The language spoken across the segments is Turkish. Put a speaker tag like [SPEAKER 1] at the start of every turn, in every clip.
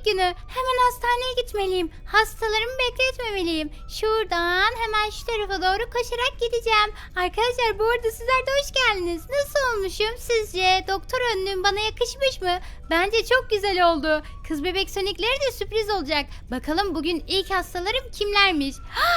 [SPEAKER 1] günü. Hemen hastaneye gitmeliyim. Hastalarımı bekletmemeliyim. Şuradan hemen şu tarafa doğru koşarak gideceğim. Arkadaşlar bu arada sizler de hoş geldiniz. Nasıl olmuşum sizce? Doktor önlüğüm bana yakışmış mı? Bence çok güzel oldu. Kız bebek sonikleri de sürpriz olacak. Bakalım bugün ilk hastalarım kimlermiş?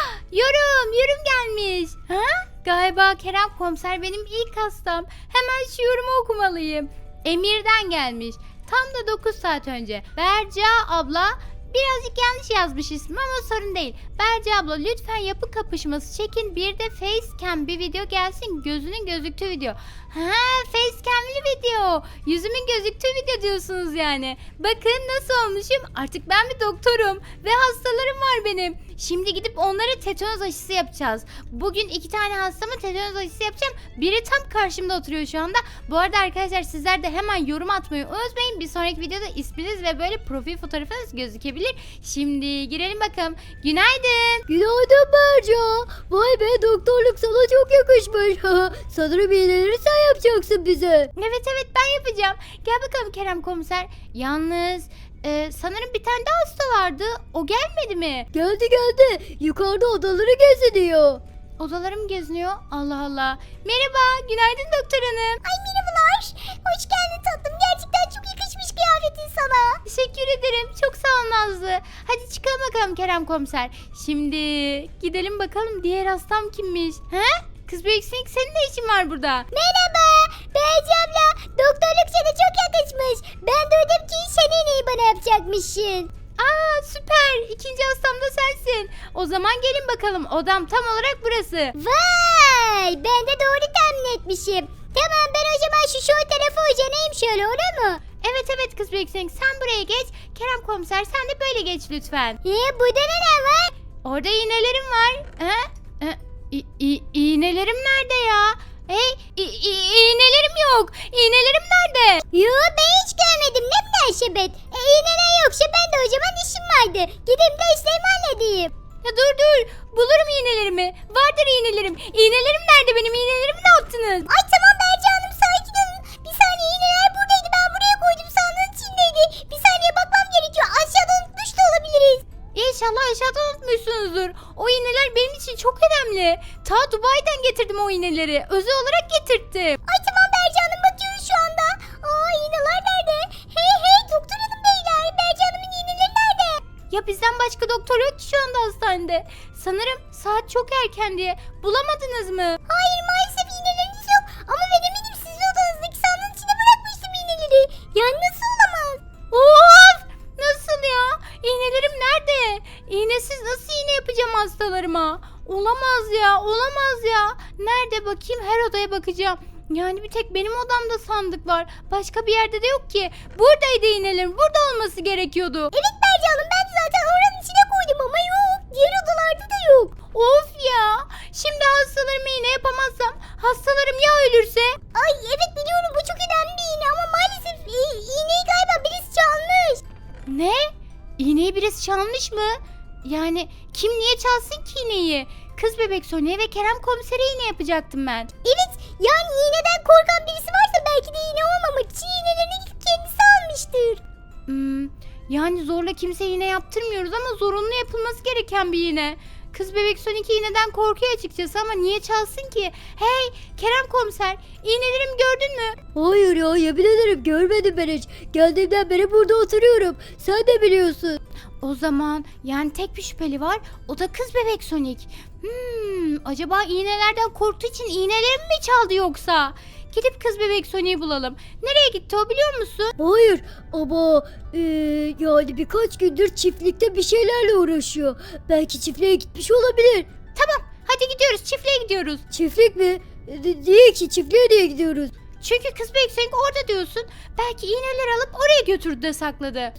[SPEAKER 1] Yorum gelmiş. Galiba Kerem komiser benim ilk hastam. Hemen şu yorumu okumalıyım. Emir'den gelmiş. Tam da 9 saat önce. Berca abla, birazcık yanlış yazmış ismi ama sorun değil. Berca abla lütfen yapı kapışması çekin. Bir de facecam bir video gelsin. Gözünün gözüktüğü video. Facecam'li video. Yüzümün gözüktüğü video diyorsunuz yani. Bakın nasıl olmuşum. Artık ben bir doktorum. Ve hastalarım var benim. Şimdi gidip onlara tetanoz aşısı yapacağız. Bugün 2 tane hastama tetanoz aşısı yapacağım. Biri tam karşımda oturuyor şu anda. Bu arada arkadaşlar sizler de hemen yorum atmayı unutmayın. Bir sonraki videoda isminiz ve böyle profil fotoğrafınız gözükebilir. Şimdi girelim bakalım. Günaydın.
[SPEAKER 2] Günaydın Berca. Vay be, doktorluk sana çok yakışmış. Sanırım iğneleri sen yapacaksın bize.
[SPEAKER 1] Evet ben yapacağım. Gel bakalım Kerem komiser. Yalnız sanırım bir tane daha hasta vardı. O gelmedi mi?
[SPEAKER 2] Geldi. Yukarıda odaları geziniyor.
[SPEAKER 1] Odalarım geziniyor. Allah Allah. Merhaba. Günaydın doktor hanım.
[SPEAKER 3] Ay merhabalar. Hoş geldin tatlım. Gerçekten çok yakışmış kıyafetin sana.
[SPEAKER 1] Teşekkür ederim. Çok sağ ol Nazlı. Hadi çıkalım bakalım Kerem komiser. Şimdi gidelim bakalım diğer hastam kimmiş? Kız Büyüksün, senin ne işin var burada?
[SPEAKER 3] Merhaba. Beyci abla. Doktorluk sana çok yakışmış. Ben duydum ki sen iğneyi bana yapacakmışsın.
[SPEAKER 1] Aa süper. İkinci hastam da sensin. O zaman gelin bakalım. Odam tam olarak burası.
[SPEAKER 3] Vay. Ben de doğru tahmin etmişim. Tamam, ben o zaman şu tarafı uzanayım şöyle, olur mu?
[SPEAKER 1] Evet kız Büyüksün, sen buraya geç. Kerem komiser sen de böyle geç lütfen.
[SPEAKER 3] Burada ne var?
[SPEAKER 1] Orada iğnelerim var. İğnelerim nerede ya? Hey, iğnelerim yok. İğnelerim nerede?
[SPEAKER 3] Yo, ben hiç görmedim. Ne münasebet. İğneler yoksa ben de o zaman işim vardı. Gideyim de işlerimi halledeyim.
[SPEAKER 1] Ya dur. Bulurum iğnelerimi. Vardır iğnelerim. İğnelerim nerede benim? İğnelerimi ne yaptınız?
[SPEAKER 3] Ay tamam Berca Hanım, sakin olun. Bir saniye, iğneler buradaydı. Ben buraya koydum, sandığın içindeydi. Bir saniye bakmam gerekiyor. Aşağıda unutmuş da olabiliriz.
[SPEAKER 1] İnşallah aşağıdan unutmuşsunuzdur. O iğneler benim için çok önemli. Ta Dubai'den getirdim o iğneleri. Özel olarak getirttim.
[SPEAKER 3] Ay tamam Berca Hanım, bakıyoruz şu anda. Aa, iğneler nerede? Hey doktor hanım beyler. Berca Hanım'ın iğneleri nerede?
[SPEAKER 1] Ya bizden başka doktor yok ki şu anda hastanede. Sanırım saat çok erken diye. Bulamadınız mı?
[SPEAKER 3] Hayır, maalesef iğneleriniz yok. Ama ben eminim sizin odanızdaki sandığın içine bırakmıştım iğneleri. Yani nasıl olamaz?
[SPEAKER 1] Of! Nasıl ya? İğnelerim nerede? İğnesiz nasıl iğne yapacağım hastalarıma? Olamaz ya. Nerede bakayım? Her odaya bakacağım. Yani bir tek benim odamda sandık var. Başka bir yerde de yok ki. Buradaydı iğnelerim. Burada olması gerekiyordu.
[SPEAKER 3] Evet Berca Hanım, ben de zaten oranın içine koydum ama yok. Diğer odalarda da yok.
[SPEAKER 1] Of ya. Şimdi hastalarıma iğne yapamazsam hastalarım ya ölürse?
[SPEAKER 3] Ay evet, biliyorum, bu çok önemli bir iğne ama maalesef iğneyi galiba birisi çalmış.
[SPEAKER 1] Ne? İğneyi birisi çalmış mı? Yani kim niye çalsın ki iğneyi? Kız bebek Sonya ve Kerem komisere iğne yapacaktım ben.
[SPEAKER 3] Evet, yani iğneden korkan birisi varsa belki de iğne olmamak için iğnelerini kendisi almıştır.
[SPEAKER 1] Yani zorla kimse iğne yaptırmıyoruz ama zorunlu yapılması gereken bir iğne. Kız bebek Sonic iğneden korkuyor açıkçası ama niye çalsın ki? Hey Kerem komiser, iğnelerimi gördün mü?
[SPEAKER 2] Hayır ya, yemin ederim görmedim ben hiç. Geldiğimden beri burada oturuyorum. Sen de biliyorsun.
[SPEAKER 1] O zaman yani tek bir şüpheli var, o da kız bebek Sonic. Acaba iğnelerden korktuğu için iğnelerimi mi çaldı yoksa? Gidip kız bebek Sonic'i bulalım. Nereye gitti o, biliyor musun?
[SPEAKER 2] Hayır ama yani birkaç gündür çiftlikte bir şeylerle uğraşıyor. Belki çiftliğe gitmiş olabilir.
[SPEAKER 1] Tamam, hadi gidiyoruz, çiftliğe gidiyoruz.
[SPEAKER 2] Çiftlik mi? Niye ki çiftliğe niye gidiyoruz?
[SPEAKER 1] Çünkü kız bebek Sonic orada diyorsun. Belki iğneleri alıp oraya götürdü de sakladı.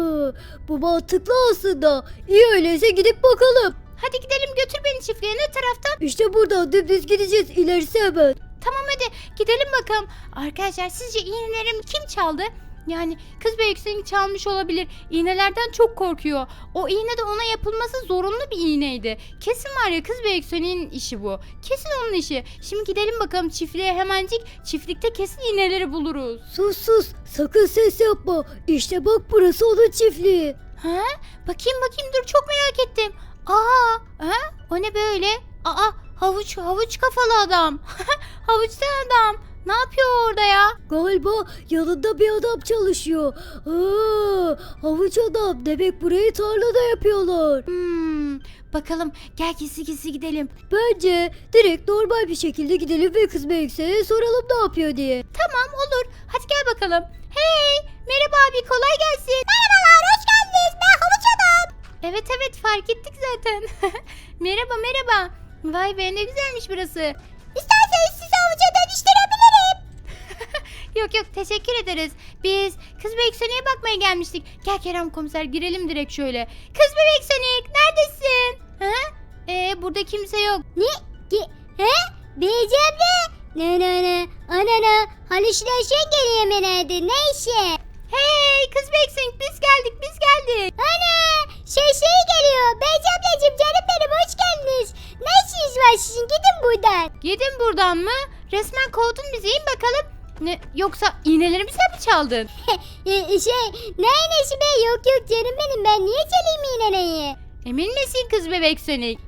[SPEAKER 2] Bu mantıklı aslında. İyi, öyleyse gidip bakalım.
[SPEAKER 1] Hadi gidelim, götür beni çiftliğe. Ne taraftan?
[SPEAKER 2] İşte buradan dümdüz gideceğiz, ilerisi hemen.
[SPEAKER 1] Tamam hadi gidelim bakalım. Arkadaşlar sizce iğnelerimi kim çaldı? Yani kız bebek çalmış olabilir. İğnelerden çok korkuyor. O iğne de ona yapılması zorunlu bir iğneydi. Kesin var ya, kız bebek işi bu. Kesin onun işi. Şimdi gidelim bakalım çiftliğe hemencik. Çiftlikte kesin iğneleri buluruz.
[SPEAKER 2] Sus sus sakın ses yapma. İşte bak burası onun çiftliği.
[SPEAKER 1] Ha? Bakayım dur, çok merak ettim. Ha? O ne böyle? Havuç kafalı adam. Havuçlu adam. Ne yapıyor orada ya?
[SPEAKER 2] Galiba yanında bir adam çalışıyor. Havuç adam demek burayı tarlada yapıyorlar.
[SPEAKER 1] Bakalım, gel gizli gidelim.
[SPEAKER 2] Bence direkt normal bir şekilde gidelim ve kız Melekse'ye soralım ne yapıyor diye.
[SPEAKER 1] Tamam, olur. Hadi gel bakalım. Hey, merhaba abi, kolay gelsin.
[SPEAKER 3] Merhabalar, hoş geldiniz. Ben havuç adam.
[SPEAKER 1] Evet fark ettik zaten. Merhaba. Vay be, ne güzelmiş burası.
[SPEAKER 3] İsterseniz sizi havuca dönüştürebilirim.
[SPEAKER 1] Yok teşekkür ederiz. Biz kız bebek Sonic'e bakmaya gelmiştik. Gel Kerem komiser, girelim direkt şöyle. Kız bebek Sonic, neredesin? Burada kimse yok.
[SPEAKER 3] Beyci abla. Ne. Anana. Halüsinasyon geliyor herhalde. Ne işi?
[SPEAKER 1] Hey kız bebek Sonic, biz geldik.
[SPEAKER 3] Ana. Şey geliyor. Beyci ablacığım canım benim hoş geldiniz. Ne işiniz var sizin? Gidin buradan.
[SPEAKER 1] Gidin buradan mı? Resmen kovdun bizi, in bakalım. Ne, yoksa iğnelerimizi mi çaldın?
[SPEAKER 3] Ne iğnesi be? Yok canım benim. Ben niye çalayım iğneyi?
[SPEAKER 1] Emin misin kız bebek Sonic?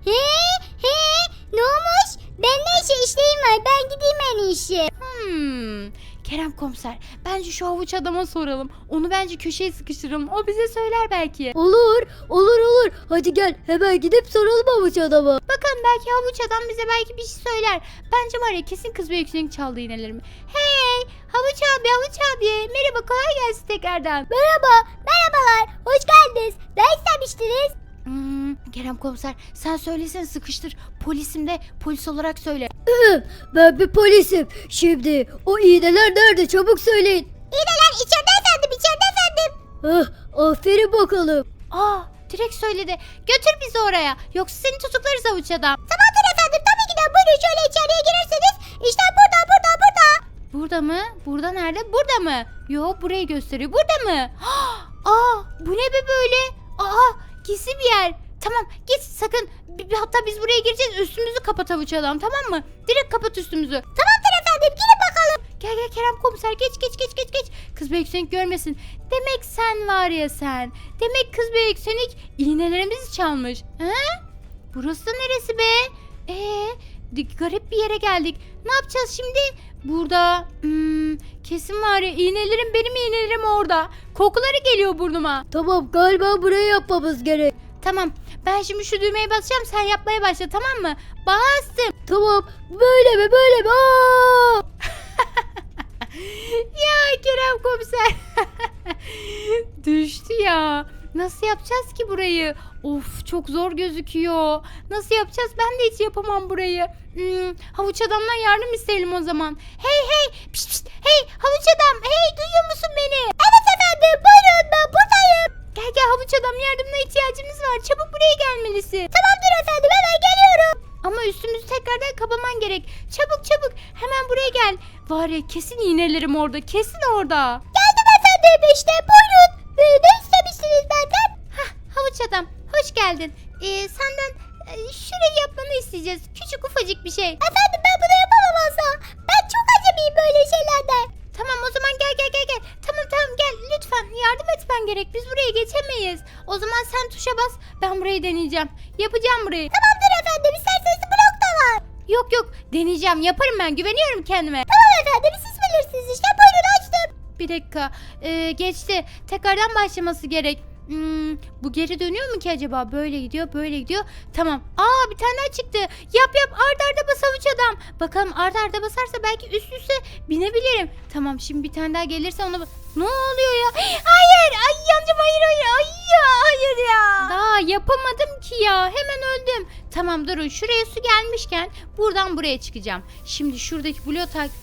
[SPEAKER 3] Ne olmuş? Ben ne işim var? Ben gideyim en iyisi.
[SPEAKER 1] Kerem komiser, bence şu havuç adama soralım. Onu bence köşeye sıkıştıralım. O bize söyler belki.
[SPEAKER 2] Olur. Hadi gel hemen gidip soralım havuç adama.
[SPEAKER 1] Bakalım, belki havuç adam bize belki bir şey söyler. Bence var ya, kesin kız bebek Sonic çaldı iğnelerimi. Hey havuç abi. Merhaba, kolay gelsin tekrardan.
[SPEAKER 3] Merhabalar. Hoş geldiniz. Ne istemiştiniz?
[SPEAKER 1] Kerem komiser, sen söylesene, sıkıştır. Polisim de, polis olarak söyle.
[SPEAKER 2] Ben bir polisim. Şimdi o iğneler nerede çabuk söyleyin.
[SPEAKER 3] İğneler içeride efendim.
[SPEAKER 2] Aferin bakalım.
[SPEAKER 1] Direkt söyledi. Götür bizi oraya. Yoksa seni tutuklarız havuç adam.
[SPEAKER 3] Tamamdır efendim. Tabii ki de buyurun şöyle içeriye girerseniz. İşte burada.
[SPEAKER 1] Burada mı? Burada nerede? Burada mı? Yok, burayı gösteriyor. Burada mı? Bu ne be böyle? Gizli bir yer. Tamam, git sakın. Hatta biz buraya gireceğiz. Üstümüzü kapat havuç adam, tamam mı? Direkt kapat üstümüzü.
[SPEAKER 3] Tamamdır efendim. Girin bakalım.
[SPEAKER 1] Gel Kerem komiser, geç. Kız bebek Sonic görmesin. Demek sen var ya sen. Demek kız bebek Sonic iğnelerimizi çalmış. Burası da neresi be? Garip bir yere geldik. Ne yapacağız şimdi? Burada kesin var ya, benim iğnelerim orada. Kokuları geliyor burnuma.
[SPEAKER 2] Tamam galiba burayı yapmamız gerek.
[SPEAKER 1] Tamam, ben şimdi şu düğmeye basacağım, sen yapmaya başla, tamam mı? Bastım.
[SPEAKER 2] Tamam böyle mi?
[SPEAKER 1] Ya Kerem komiser. Düştü ya. Nasıl yapacağız ki burayı? Of, çok zor gözüküyor. Nasıl yapacağız? Ben de hiç yapamam burayı. Havuç adamdan yardım isteyelim o zaman. Hey. Pişt. Hey havuç adam. Hey, duyuyor musun beni?
[SPEAKER 3] Evet efendim. Buyurun ben buradayım.
[SPEAKER 1] Gel havuç adam, yardımına ihtiyacımız var. Çabuk buraya gelmelisin.
[SPEAKER 3] Tamamdır efendim. Hemen geliyorum.
[SPEAKER 1] Ama üstümüzü tekrardan kapaman gerek. Çabuk. Hemen buraya gel. Var ya, kesin iğnelerim orada. Kesin orada.
[SPEAKER 3] Geldim efendim işte. Buyurun. Ne istemiştiniz benden?
[SPEAKER 1] Havuç adam, hoş geldin. Senden şurayı yapmanı isteyeceğiz. Küçük ufacık bir şey.
[SPEAKER 3] Efendim ben bunu yapamam asla. Ben çok acemiyim böyle şeylerde.
[SPEAKER 1] Tamam, o zaman gel. Tamam gel, lütfen yardım etmen gerek. Biz buraya geçemeyiz. O zaman sen tuşa bas, ben burayı deneyeceğim. Yapacağım burayı.
[SPEAKER 3] Tamamdır efendim. İsterseniz blok da var.
[SPEAKER 1] Yok, deneyeceğim, yaparım, ben güveniyorum kendime.
[SPEAKER 3] Tamam efendim. Siz bilirsiniz işte. Buyurun açtım.
[SPEAKER 1] Bir dakika, geçti. Tekrardan başlaması gerek. Bu geri dönüyor mu ki acaba? Böyle gidiyor. Tamam. Bir tane daha çıktı. Yap arda bas havuç adam. Bakalım arda basarsa belki üst üste binebilirim. Tamam, şimdi bir tane daha gelirse ona... Ne oluyor ya? Hayır! Ay yancım, hayır ya. Daha yapamadım ki ya. Hemen öldüm. Tamam, durun. Şuraya su gelmişken buradan buraya çıkacağım. Şimdi şuradaki bloğu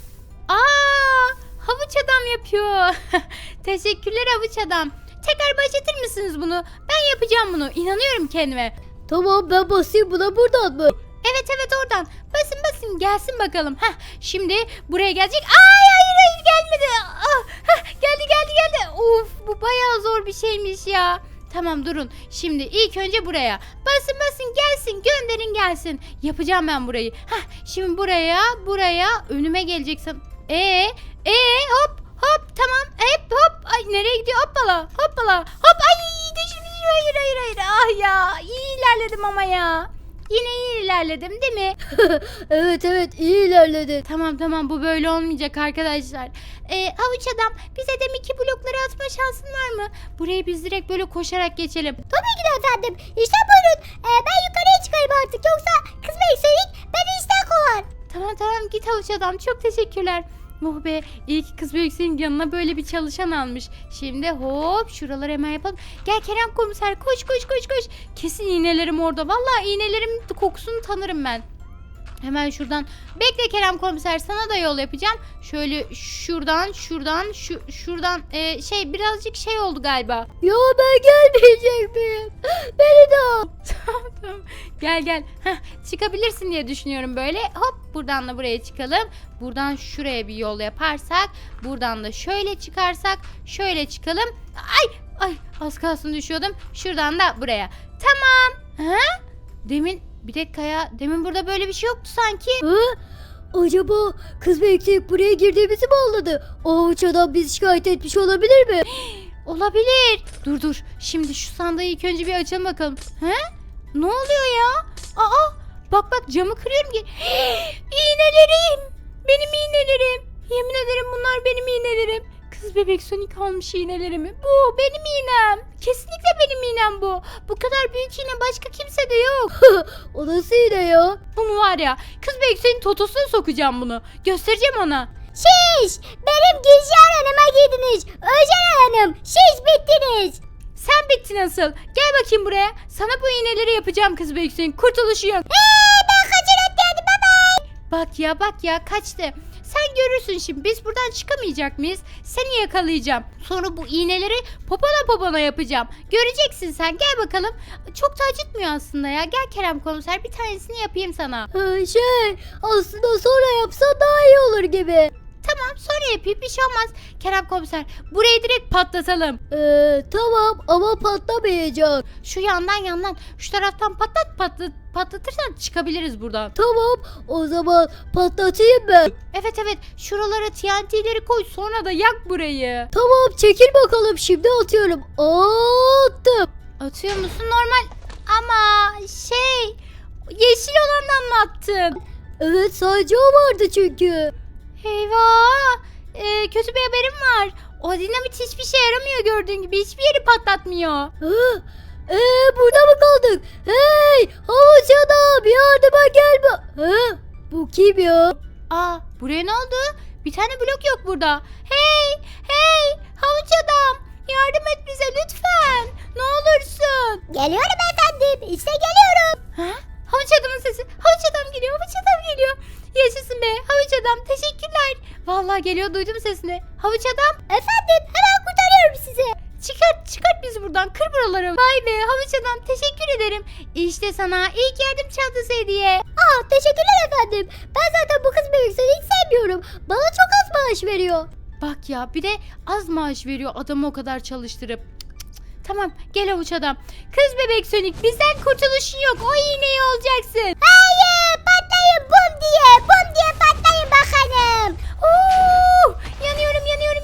[SPEAKER 1] havuç adam yapıyor. Teşekkürler havuç adam. Tekrar başlatır mısınız bunu? Ben yapacağım bunu. İnanıyorum kendime.
[SPEAKER 2] Tamam ben basayım buna buradan mı?
[SPEAKER 1] Evet evet oradan. Basın basın gelsin bakalım. Heh, şimdi buraya gelecek. Ay hayır gelmedi. Ah, heh, geldi. Of bu bayağı zor bir şeymiş ya. Tamam durun. Şimdi ilk önce buraya. Basın gelsin gönderin gelsin. Yapacağım ben burayı. Heh, şimdi buraya önüme geleceksin. Hop tamam. Hop. Ay nereye gidiyor? Hoppala. Hop ay düşün. Hayır. Ah ya iyi ilerledim ama ya. Yine iyi ilerledim değil mi?
[SPEAKER 2] Evet iyi ilerledin.
[SPEAKER 1] Tamam bu böyle olmayacak arkadaşlar. Havuç adam bize deminki blokları atma şansın var mı? Burayı biz direkt böyle koşarak geçelim.
[SPEAKER 3] Tabii ki de efendim. İşte buyurun. Ben yukarıya çıkarım artık. Yoksa kız Beysonik beni işten kovar.
[SPEAKER 1] Tamam git havuç adam çok teşekkürler. Oh be iyi ki kız büyüksünün yanına böyle bir çalışan almış. Şimdi hop şuraları hemen yapalım. Gel Kerem komiser koş. Kesin iğnelerim orada. Vallahi iğnelerim kokusunu tanırım ben. Hemen şuradan. Bekle Kerem komiser sana da yol yapacağım. Şöyle şuradan birazcık şey oldu galiba.
[SPEAKER 2] Ya ben gelmeyecek miyim? Beni de al.
[SPEAKER 1] Tamam. Gel. Heh, çıkabilirsin diye düşünüyorum böyle. Hop buradan da buraya çıkalım. Buradan şuraya bir yol yaparsak. Buradan da şöyle çıkarsak. Şöyle çıkalım. Ay az kalsın düşüyordum. Şuradan da buraya. Tamam. Ha? Bir dakika ya. Demin burada böyle bir şey yoktu sanki.
[SPEAKER 2] Ha? Acaba kız bekçilik buraya girdiğimizi mi anladı? O avuç adam bizi şikayet etmiş olabilir mi?
[SPEAKER 1] Olabilir. Dur. Şimdi şu sandığı ilk önce bir açalım bakalım. He? Ne oluyor ya? Bak camı kırıyorum ki. İğnelerim. Benim iğnelerim. Yemin ederim bunlar benim iğnelerim. Kız bebek Sonic almış iğnelerimi. Bu benim iğnem. Kesinlikle benim iğnem bu. Bu kadar büyük iğne başka kimse de yok.
[SPEAKER 2] O nasıl yine ya?
[SPEAKER 1] Bunu var ya kız bebek Sonic'in totosuna sokacağım bunu. Göstereceğim ona.
[SPEAKER 3] Benim Gülşen Hanım'a girdiniz. Özen Hanım bittiniz.
[SPEAKER 1] Sen bittin asıl. Gel bakayım buraya. Sana bu iğneleri yapacağım kız bebek Sonic. Kurtuluşu yok.
[SPEAKER 3] Ben kaçırıp geldim
[SPEAKER 1] Bak ya kaçtı. Sen görürsün şimdi biz buradan çıkamayacak mıyız? Seni yakalayacağım. Sonra bu iğneleri popona yapacağım. Göreceksin sen gel bakalım. Çok da acıtmıyor aslında ya. Gel Kerem komiser bir tanesini yapayım sana.
[SPEAKER 2] Aslında sonra yapsan daha iyi olur gibi.
[SPEAKER 1] Tamam sonra yapayım bir şey olmaz. Kerem komiser burayı direkt patlatalım.
[SPEAKER 2] Tamam ama patlamayacak.
[SPEAKER 1] Şu yandan şu taraftan patlatırsan çıkabiliriz buradan.
[SPEAKER 2] Tamam o zaman patlatayım ben.
[SPEAKER 1] Evet şuralara TNT'leri koy sonra da yak burayı.
[SPEAKER 2] Tamam çekil bakalım şimdi atıyorum. Attım.
[SPEAKER 1] Atıyor musun normal ama yeşil olandan mı attın?
[SPEAKER 2] Evet sadece o vardı çünkü.
[SPEAKER 1] Eyvah kötü bir haberim var. O dinamit hiçbir şey yaramıyor gördüğün gibi hiçbir yeri patlatmıyor.
[SPEAKER 2] Burada mı kaldık? Hey havuç adam yardıma gel. Bu kim ya?
[SPEAKER 1] Buraya ne oldu? Bir tane blok yok burada. Hey havuç adam yardım et bize lütfen. Ne olursun.
[SPEAKER 3] Geliyorum efendim. İşte geliyorum.
[SPEAKER 1] Havuç adamın sesi. Havuç adam geliyor. Yaşasın be havuç adam teşekkürler. Vallahi geliyor duydum sesini. Havuç adam.
[SPEAKER 3] Efendim hemen kurtarıyorum sizi.
[SPEAKER 1] Çıkart bizi buradan kır buraları. Vay be havuç adam teşekkür ederim. İşte sana ilk yardım çantası hediye.
[SPEAKER 3] Teşekkürler efendim. Ben zaten bu kız bebekleri hiç sevmiyorum. Bana çok az maaş veriyor.
[SPEAKER 1] Bak ya bir de az maaş veriyor adamı o kadar çalıştırıp. Tamam gel havuç adam. Kız bebek Sonic bizden kurtuluşun yok. O iğneyi olacaksın.
[SPEAKER 3] Hayır patlayın bum diye patlayın bakalım.
[SPEAKER 1] Yanıyorum.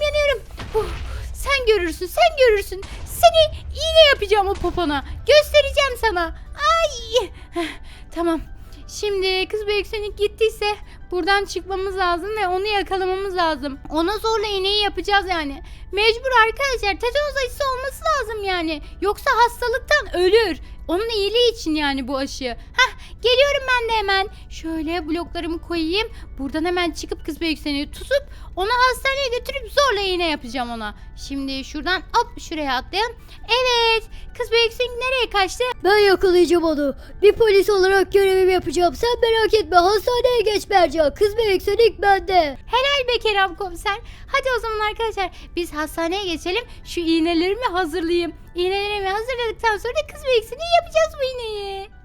[SPEAKER 1] Sen görürsün. Seni iğne yapacağım o popona. Göstereceğim sana. Ay. Tamam. Şimdi kız bebek Sonic gittiyse buradan çıkmamız lazım ve onu yakalamamız lazım. Ona zorla iğneyi yapacağız yani. Mecbur arkadaşlar. Tetanoz aşısı olması lazım yani. Yoksa hastalıktan ölür. Onun iyiliği için yani bu aşı. Geliyorum ben de hemen. Şöyle bloklarımı koyayım. Buradan hemen çıkıp kız bebek Sonic'i tutup onu hastaneye götürüp zorla iğne yapacağım ona. Şimdi şuradan hop şuraya atlayalım. Evet. Kız bebek Sonic nereye kaçtı?
[SPEAKER 2] Ben yakalayacağım onu. Bir polis olarak görevimi yapacağım. Sen merak etme hastaneye geç Berca. Kız bebek Sonic bende.
[SPEAKER 1] Helal be Kerem komiser. Hadi o zaman arkadaşlar biz hastaneye geçelim. Şu iğnelerimi hazırlayayım. İğnelerimi hazırladıktan sonra da kız bebek Sonic'e yapacağız bu iğneyi.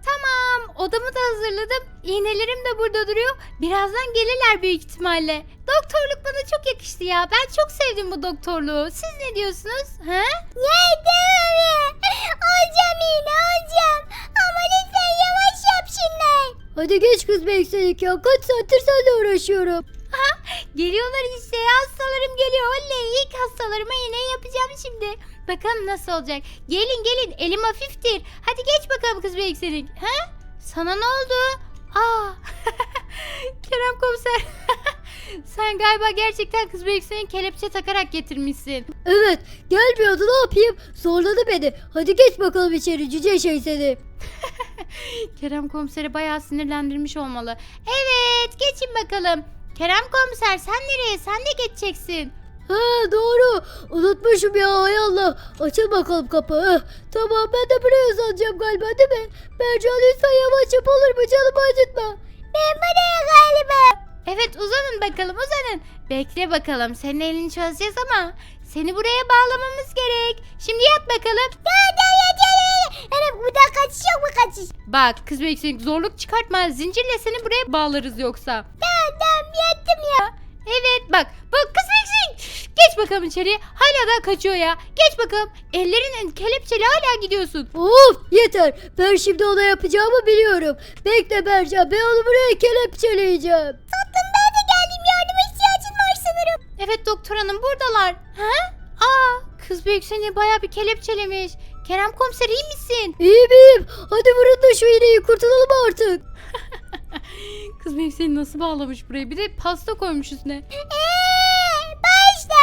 [SPEAKER 1] Tamam, odamı da hazırladım. İğnelerim de burada duruyor. Birazdan gelirler büyük ihtimalle. Doktorluk bana çok yakıştı ya. Ben çok sevdim bu doktorluğu. Siz ne diyorsunuz? He?
[SPEAKER 3] Yedim. Alacağım yine alacağım. Ama lütfen yavaş yap şimdi.
[SPEAKER 2] Hadi geç kız bekledik ya. Kaç saattir seninle uğraşıyorum.
[SPEAKER 1] Geliyorlar işte. Hastalarım geliyor. Oley, ilk hastalarıma iğneyi yapacağım şimdi. Bakalım nasıl olacak. Gelin gelin, elim hafiftir. Hadi geç bakalım kız bekledik. He? Sana ne oldu? Aa. Kerem komiser. Sen galiba gerçekten kız büyükseni kelepçe takarak getirmişsin.
[SPEAKER 2] Evet, gelmiyordu, ne yapayım? Zorladı beni. Hadi geç bakalım içeri cüce şey seni.
[SPEAKER 1] Kerem komiseri bayağı sinirlendirmiş olmalı. Evet, geçin bakalım. Kerem komiser, sen nereye? Sen de geçeceksin.
[SPEAKER 2] Ha doğru. Unutmuşum ya, hay Allah. Açıl bakalım kapı. Tamam, ben de buraya uzanacağım galiba, değil mi? Berca lütfen yavaş yap, olur mu? Canımı acıtma.
[SPEAKER 3] Ben buraya galiba.
[SPEAKER 1] Evet, uzanın bakalım, uzanın. Bekle bakalım, senin elini çözeceğiz ama seni buraya bağlamamız gerek. Şimdi yat bakalım.
[SPEAKER 3] Anam buradan kaçış yok mu kaçış?
[SPEAKER 1] Bak kız büyükseni zorluk çıkartma. Zincirle seni buraya bağlarız yoksa.
[SPEAKER 3] Tamam yattım ya.
[SPEAKER 1] Evet bak kız büyükseni. Geç bakalım içeriye. Hala da kaçıyor ya. Geç bakalım. Ellerin kelepçeli hala gidiyorsun.
[SPEAKER 2] Of yeter. Ben şimdi ona yapacağımı biliyorum. Bekle Berca, ben onu buraya kelepçeleyeceğim.
[SPEAKER 3] Tatlım ben de geldim, yardıma ihtiyacın var sanırım.
[SPEAKER 1] Evet doktor hanım, buradalar. Ha? Aa, kız büyük seni bayağı bir kelepçelemiş. Kerem komiser, iyi misin?
[SPEAKER 2] İyiyim. Hadi vurun da şu iğneyi, kurtulalım artık.
[SPEAKER 1] Kız büyük seni nasıl bağlamış buraya? Bir de pasta koymuş üstüne.
[SPEAKER 3] Başla.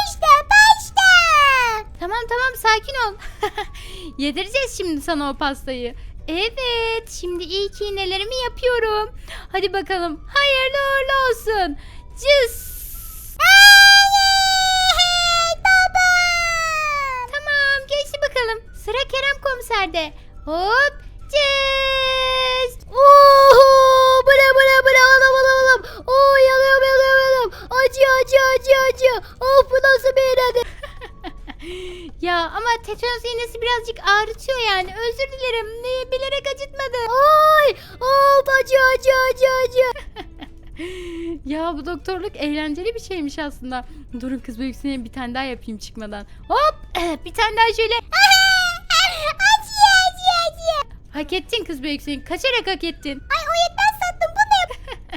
[SPEAKER 1] Tamam tamam, sakin ol. Yedireceğiz şimdi sana o pastayı. Evet, şimdi ilk iğnelerimi yapıyorum. Hadi bakalım, hayırlı uğurlu olsun. Cız. Tamam, geçti bakalım. Sıra Kerem komiserde. Hop, cız.
[SPEAKER 2] Oho! Bıra alam. Oo, yanıyorum. Acı. Of, bu nasıl bir iğnedir?
[SPEAKER 1] Ya ama tetanos iğnesi birazcık ağrıtıyor yani. Özür dilerim. Bilerek acıtmadım.
[SPEAKER 2] Ay! Of, acı.
[SPEAKER 1] Ya bu doktorluk eğlenceli bir şeymiş aslında. Durun kız büyüksene, bir tane daha yapayım çıkmadan. Hop! Bir tane daha şöyle.
[SPEAKER 3] Acı.
[SPEAKER 1] Hak ettin kız büyüksene. Kaçarak hak ettin.
[SPEAKER 3] Ay o yetmez tatlım, bu ne?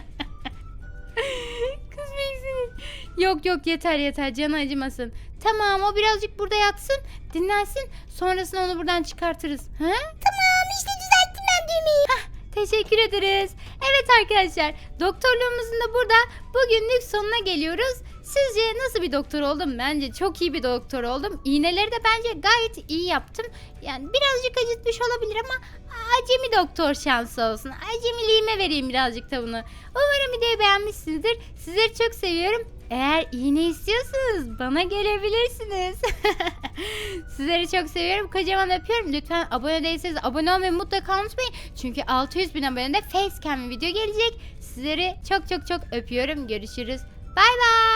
[SPEAKER 1] Kız büyüksene. Yok yeter canı acımasın. Tamam, o birazcık burada yatsın, dinlensin. Sonrasında onu buradan çıkartırız. Ha?
[SPEAKER 3] Tamam işte düzelttim ben düğmeyi.
[SPEAKER 1] Teşekkür ederiz. Evet arkadaşlar, doktorluğumuzun da burada bugünlük sonuna geliyoruz. Sizce nasıl bir doktor oldum? Bence çok iyi bir doktor oldum. İğneleri de bence gayet iyi yaptım. Yani birazcık acıtmış olabilir ama acemi doktor şansı olsun. Acemiliğime vereyim birazcık da bunu. Umarım videoyu beğenmişsinizdir. Sizleri çok seviyorum. Eğer iğne istiyorsanız bana gelebilirsiniz. Sizleri çok seviyorum. Kocaman öpüyorum. Lütfen abone değilseniz abone olmayı mutlaka unutmayın. Çünkü 600.000 abonede facecam video gelecek. Sizleri çok öpüyorum. Görüşürüz. Bay bay.